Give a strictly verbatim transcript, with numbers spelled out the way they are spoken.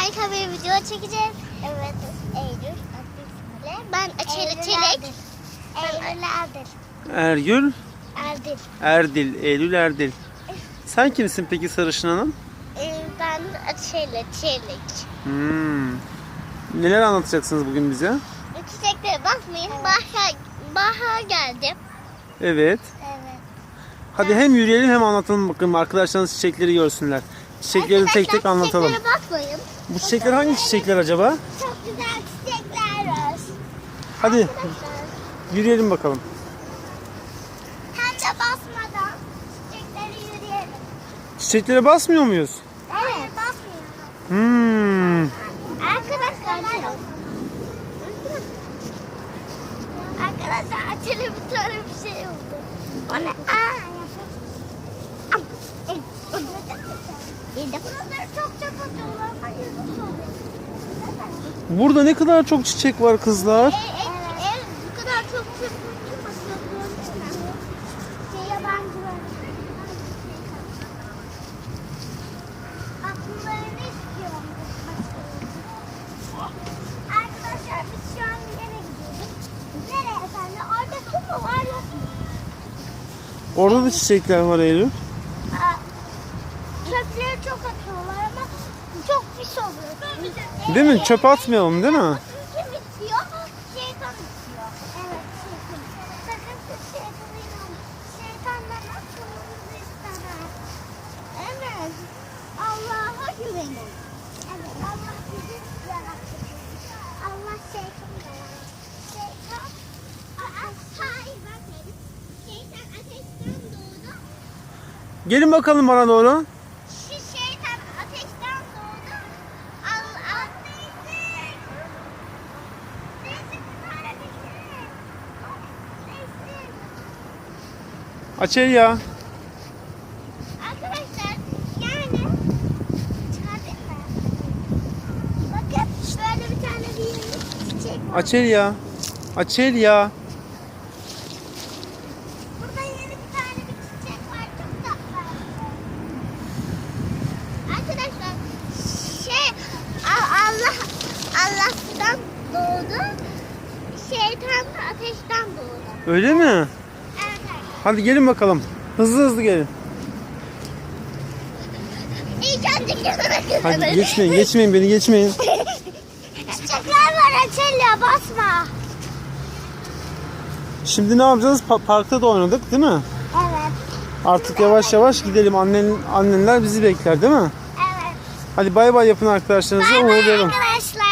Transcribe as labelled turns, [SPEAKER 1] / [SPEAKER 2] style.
[SPEAKER 1] harika bir video çekeceğiz. Evet, Eylül. Ben Açeli Çelik. Eylül Erdil.
[SPEAKER 2] Ergül,
[SPEAKER 1] Erdil.
[SPEAKER 2] Erdil, Eylül Erdil. Sen kimsin peki Sarışın Hanım?
[SPEAKER 1] Ee, Ben Açeli Çelik.
[SPEAKER 2] Hmm. Neler anlatacaksınız bugün bize?
[SPEAKER 1] Çiçeklere bakmayın. Bahar, bahar geldi.
[SPEAKER 2] Evet.
[SPEAKER 1] Evet.
[SPEAKER 2] Hadi hem yürüyelim hem anlatalım bakalım. Arkadaşlarınız çiçekleri görsünler. Çiçekleri tek tek anlatalım.
[SPEAKER 1] Çiçeklere bakmayın.
[SPEAKER 2] Bu çiçekler hangi çiçekler acaba?
[SPEAKER 1] Çok güzel çiçekler var.
[SPEAKER 2] Hadi
[SPEAKER 1] Arkadaşlar,
[SPEAKER 2] yürüyelim bakalım.
[SPEAKER 1] Tente basmadan çiçekleri yürüyelim.
[SPEAKER 2] Çiçeklere basmıyor muyuz?
[SPEAKER 1] Evet. Basmıyorum.
[SPEAKER 2] Hmm.
[SPEAKER 1] Arkadaşlar. Arkadaşlar Açeli bir tane bir şey oldu. O ne? Aa. Buraları çok çok atıyorlar. Hayır, nasıl oluyor?
[SPEAKER 2] Burada ne kadar çok çiçek var kızlar.
[SPEAKER 1] Evet. Evet, bu kadar çok çok çok atıyorlar. Şey yabancılar. Akıllarını istiyorum. Arkadaşlar biz şu an nereye gidiyoruz? Nereye efendim? Orada kum mu var yok mu?
[SPEAKER 2] Orada da çiçekler var Eylül.
[SPEAKER 1] Aa, çöpleri çok atıyorlar ama çok pis oluyor.
[SPEAKER 2] Değil mi? Çöp atmayalım değil mi?
[SPEAKER 1] Kim bitiyor? Şeytan bitiyor. Evet, şeytan. Sakın siz şeytana inanmayın. Şeytandan atılmanızı istemez. Evet. Allah'a güvenin. Evet, Allah bizi yarattı. Allah şeytanı da yarattı. Şeytan, aa, hayır bakın. Şeytan ateşten doğdu.
[SPEAKER 2] Gelin bakalım bana doğru.
[SPEAKER 1] Şu şeytan ateşten doğdu. Allah neyse. Neyse kurtar ateşi. Neyse.
[SPEAKER 2] Açel ya.
[SPEAKER 1] Arkadaşlar yani çıkardık mı? Bakın böyle bir tane bir çiçek var.
[SPEAKER 2] Açel ya. Açel ya.
[SPEAKER 1] Burada yeni bir tane bir çiçek var. Çok tatlı. Arkadaşlar şey A- Allah Allah sudan doğdu. Şeytan da ateşten doğdu.
[SPEAKER 2] Öyle mi?
[SPEAKER 1] Evet.
[SPEAKER 2] Hadi gelin bakalım. Hızlı hızlı gelin.
[SPEAKER 1] İlk önce gözüme
[SPEAKER 2] Hadi
[SPEAKER 1] gözüme.
[SPEAKER 2] geçmeyin, geçmeyin beni geçmeyin.
[SPEAKER 1] Çiçekler var Açelya basma.
[SPEAKER 2] Şimdi ne yapacağız? Pa- parkta da oynadık değil mi?
[SPEAKER 1] Evet.
[SPEAKER 2] Artık yavaş yavaş gidelim. Annen, annenler bizi bekler değil mi?
[SPEAKER 1] Evet.
[SPEAKER 2] Hadi bay bay yapın arkadaşlarınıza.
[SPEAKER 1] Bay bay
[SPEAKER 2] Uğurlayalım.
[SPEAKER 1] arkadaşlar.